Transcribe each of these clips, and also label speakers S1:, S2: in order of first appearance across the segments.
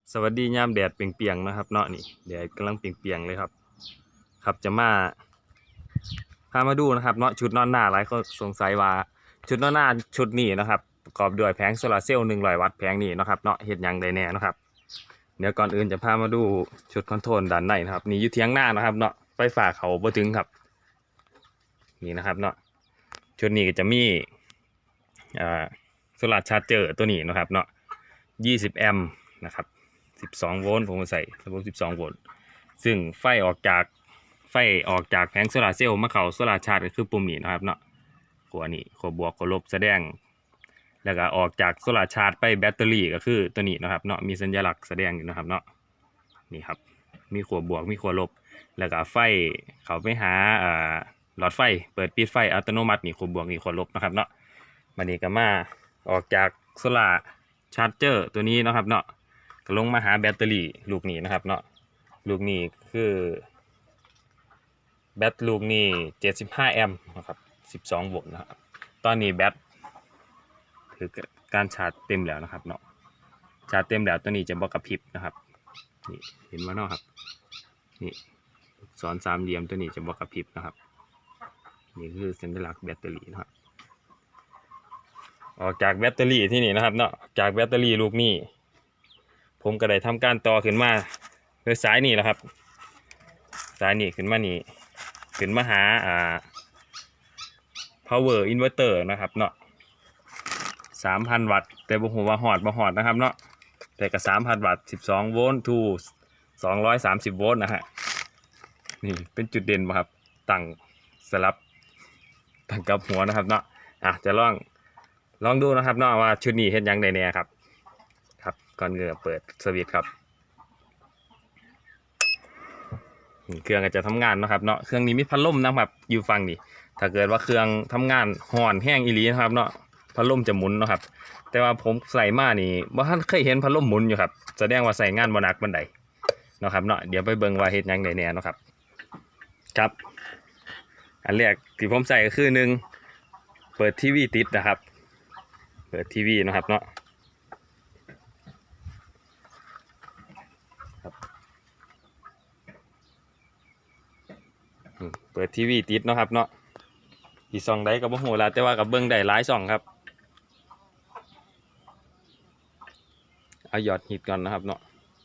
S1: สวัสดียามแดดเปรียงๆนะครับเนาะนี่แดดกำลังเปรียงๆเลยครับจะมาพามาดูนะครับเนาะชุดนอนหน้าหลายคนสงสัยว่าชุดนอนหน้าชุดนี้นะครับประกอบด้วยแผงโซลาร์เซลล์100 วัตต์แผงนี้นะครับเนาะเฮ็ดหยังได้แน่นะครับเดี๋ยวก่อนอื่นจะพามาดูชุดคอนโทรลด้านในนะครับนี่อยู่เถียงหน้านะครับเนาะไฟฟ้าเขาบ่ถึงครับนี่นะครับเนาะชุดนี้ก็จะมีโซลาร์ชาร์จเจอร์ตัวนี้นะครับเนาะ20 แอมป์นะครับ12 โวลต์ผมใส่ระบบ12 โวลต์ซึ่งไฟออกจากแผงโซลาร์เซลล์มาเข้าโซลาร์ชาร์จก็คือปุ่มนี้นะครับเนาะขั้วนี้ขั้วบวกขั้วลบแสดงแล้วก็ออกจากโซลาร์ชาร์จไปแบตเตอรี่ก็คือตัวนี้นะครับเนาะมีสัญลักษณ์แสดงอยู่นะครับเนาะนี่ครับมีขั้วบวกมีขั้วลบแล้วก็ไฟเข้าไปหาหลอดไฟเปิดปิดไฟอัตโนมัตินี่ขั้วบวกนี่ขั้วลบนะครับเนาะมันนี้ก็มาออกจากโซลาร์ชาร์จเจอร์ตัวนี้นะครับเนาะก็ลงมาหาแบตเตอรี่ลูกนี้นะครับเนาะลูกนี้คือแบตลูกนี้75 แอมป์นะครับ12 โวลต์นะครับตอนนี้แบตคือการชาร์จเต็มแล้วนะครับเนาะชาร์จเต็มแล้วตัวนี้จะบอกกระพริบนะครับนี่เห็นไหมเนาะครับนี่สอนสามเหลี่ยมตัวนี้จะบอกกระพริบนะครับนี่คือสัญลักษณ์แบตเตอรี่นะครับออกจากแบตเตอรี่ที่นี่นะครับเนาะจากแบตเตอรี่ลูกนี้ผมก็ได้ทำการต่อขึ้นมาโดยสายนี่แหละครับสายนี่ขึ้นมานี่ขึ้นมาหาpower inverter นะครับเนาะ3,000 วัตต์แต่บ่ฮู้ว่าฮอดบ่ฮอดนะครับเนาะแต่ก็3,000 วัตต์12 โวลต์ to 230 โวลต์นะฮะนี่เป็นจุดเด่นบ่ครับตั้งสลับตั้งกับหัวนะครับเนาะจะลองดูนะครับเนาะว่าชุดนี้เฮ็ดหยังได้แน่ครับก่อนเปิดสวิตช์ครับเครื่องก็จะทำงานนะครับเนาะเครื่องนี้มีพัดลมนะครับอยู่ฟังนี่ถ้าเกิดว่าเครื่องทำงานห่อนแห้งอีหลีนะครับเนาะพัดลมจะหมุนนะครับแต่ว่าผมใส่มานี่บ่ทันเคยเห็นพัดลมหมุนอยู่ครับแสดงว่าใส่งานบ่หนักบันไดนะครับเนาะเดี๋ยวไปเบิ่งว่าเฮ็ดหยังได้แน่เนาะครับอันแรกที่ผมใส่ก็คือ1เปิดทีวีติดนะครับเปิดทีวีนะครับเนาะเปิดทีวีติดเนาะครับเนาะที่ช่องใดก็บ่ฮู้ละแต่ว่าก็เบิ่งได้หลายช่องครับเอายอดฮิตก่อนนะครับเนาะ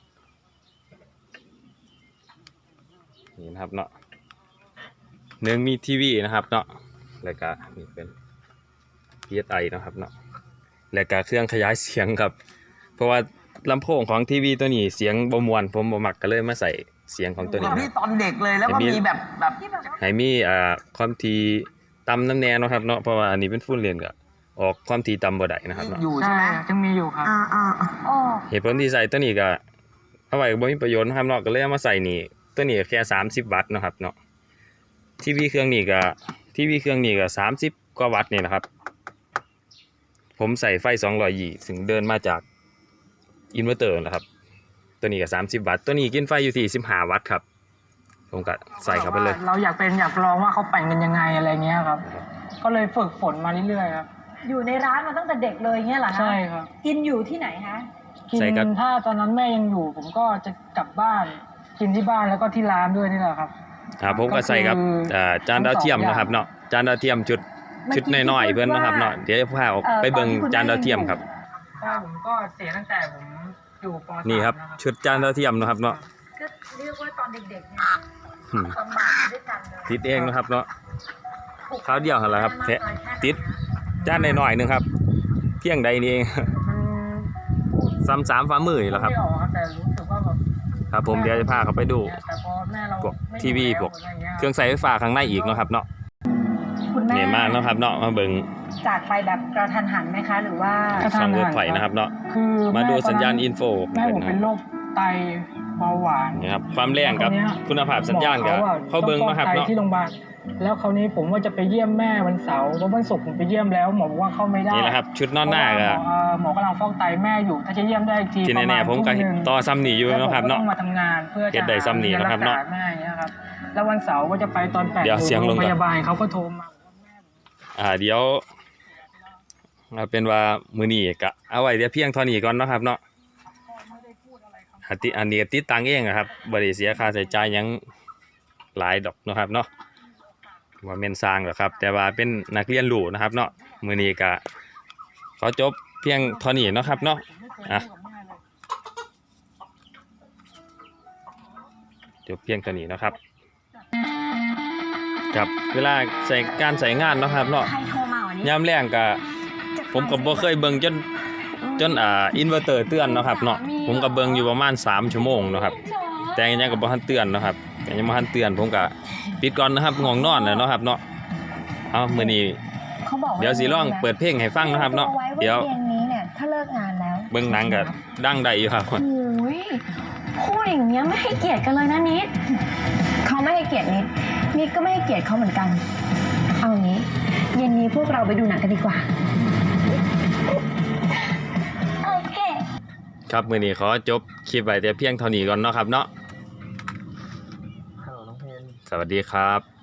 S1: นี่นะครับเนาะมีทีวีนะครับเนาะแล้วก็นี่เป็น PSI นะครับเนาะแล้วก็เครื่องขยายเสียงครับเพราะว่าลำโพงของทีวีตัวนี้เสียงบ่ม่วนผมบ่มักก็เลยมาใส่เสียงของตัวนี้
S2: พี่ตอนเด็กเลยแล้วก็มีแบบ
S1: ให้มีความถี่ต่ำน้ำแน่เนาะครับเนาะเพราะว่าอันนี้เป็นฟูลเลนก็ออกความถี่ต่ำบ่ได้นะครับเนาะ
S2: อยู่ใช่ไหม
S3: ยังมีอยู่ครับ
S1: เหตุผลที่ใส่ตัวนี้ก็เอาไว้บ่มีประโยชน์นะครับเนาะก็เลยเอามาใส่นี่ตัวนี้แค่30 วัตต์นะครับเนาะทีวีเครื่องนี้ก็30 กว่าวัตต์นี่นะครับผมใส่ไฟ220ซึ่งเดินมาจากอินเวอร์เตอร์นะครับตัวนี้ก็30 วัตต์ตัวนี้กินไฟอยู่ที่15 วัตต์ครับผมก็ใส่เข้าไปเลย
S3: เราอยากลองว่าเขาปั่นกันยังไงอะไรเงี้ยครับก็เลยฝึกฝนมาเรื่อยๆครับ
S4: อยู่ในร้านมาตั้งแต่เด็กเลยเงี้ยเหรอคะ
S3: ใช่ครับ
S4: กินอยู่ที่ไหนฮะ
S3: กินถ้าตอนนั้นแม่ยังอยู่ผมก็จะกลับบ้านกินที่บ้านแล้วก็ที่ร้านด้วยนี่แหละครับ
S1: ผมก็ใส่ครับจานดาวเทียมนะครับเนาะจานดาวเทียมชุดน้อยๆเพื่อนนะครับเนาะเดี๋ยวจะพาออกไปเบิ่งจานดาวเทียมครับ
S3: ผมก็เสียตั้งแต่ผมอยู่ป .3
S1: นี่ครับชุดจานดาวเทียมนะครับเนาะ
S4: ก็เรียกว่าตอนเด็กๆเนี่ยลำบากด้วยกันเลย
S1: ติดเองนะครับเนาะคราวเดียวเหรอครับติดจานน้อยๆนึงครับเพียงใดนี่เอง3 ฝ่ามือเหรอครับ
S3: แต่รู้สึกว่าแบบ
S1: ครับผมเดี๋ยวจะพาเขาไปดูพวกทีวีพวกเครื่องใช้ไฟฟ้าข้างในอีกเนาะครับเนาะเนี่ยมากเนาะครับเนาะมาเบิ่ง
S4: จากไปแบบกระทันหันไหมคะหรือว่า
S1: ช่องรถไฟนะครับเนาะมาดูสัญญาณอินโฟ
S3: แม่ผมเป็นโรคไตเบาหวาน
S1: นี่ครับความแรงครับคุณภาพสัญญาณครับเขาเบิ่งนะครับเนาะ
S3: ที่โรงพยาบาลแล้วคราวนี้ผมว่าจะไปเยี่ยมแม่วันเสาร์เพราะวันศุกร์ผมไปเยี่ยมแล้วหมอบอกว่าเข้าไม่ได้
S1: นี่แหละครับชุดนอนหน้าก็
S3: หมอกำลังฟอกไตแม่อยู่ถ้าจะเยี่ยมได้ที
S1: ที่แน่ๆผมก็ต่อซ้ำหนีอยู่นะครับเนาะ
S3: มาทำงานเพื่อจะ
S1: ได้ซ้ำหนีนะครับเนาะ
S3: แม่เงี้ยครับแล้ววันเสาร์ว่าจะไปตอน8 โมงพยาบาลเขาก็โทรมา
S1: เดี๋ยวเป็นว่ามื้อนี้ก็เอาไว้เดี๋ยวเพียงเท่านี้ก่อนเนาะครับเนาะอันนี้ก็ติดตั้งเองอะครับบ่ได้เสียค่าใช้จ่ายหยังหลายดอกเนาะครับเนาะว่าแม่นสร้างหรอกครับ แต่ว่าเป็นนักเรียนรู้นะครับเนาะมื้อนี้ก็ขอจบเพียงเท่านี้เนาะครับเนาะอ่ะจบเพียงเท่านี้เนาะครับกับเวลาใส่การใส่งานเนาะครับเนาะ
S2: ใครโทรมาวันนี้
S1: ยามแรงก็ผมก็บ่เคยเบิ่งจนอินเวอร์เตอร์เตือนเนาะครับเนาะผมก็เบิ่งอยู่ประมาณ3ชั่วโมงเนาะครับแต่ยังก็บ่ทันเตือนเนาะครับยังบ่ทันเตือนผมก็ปิดก่อนนะครับง่วงนอนแล้วเนาะครับเนาะเอามื้อนี้
S2: เขาบอกา
S1: เดี๋ยวสิลองเปิดเพลงให้ฟังนะครับเนาะ
S2: อไว้
S1: เดี๋ยว
S2: เย็นนี้เนี่ยถ้าเลิกงานแล้ว
S1: เบิ่งหนังก็ดังได้อยู่ครับ
S2: โอ้ยพูดอย่างเงี้ยไม่ให้เกียรติกันเลยนะนิดเขาไม่ให้เกียรตินิดก็ไม่ให้เกียรติเขาเหมือนกันเอางี้เย็นนี้พวกเราไปดูหนังกันดีกว่าโอเค
S1: ครับมื้อนี้ขอจบคลิปไว้แต่เพียงเท่านี้ก่อนเนาะครับเนาะ
S5: ฮัลโหลน้องเพน
S1: สวัสดีครับ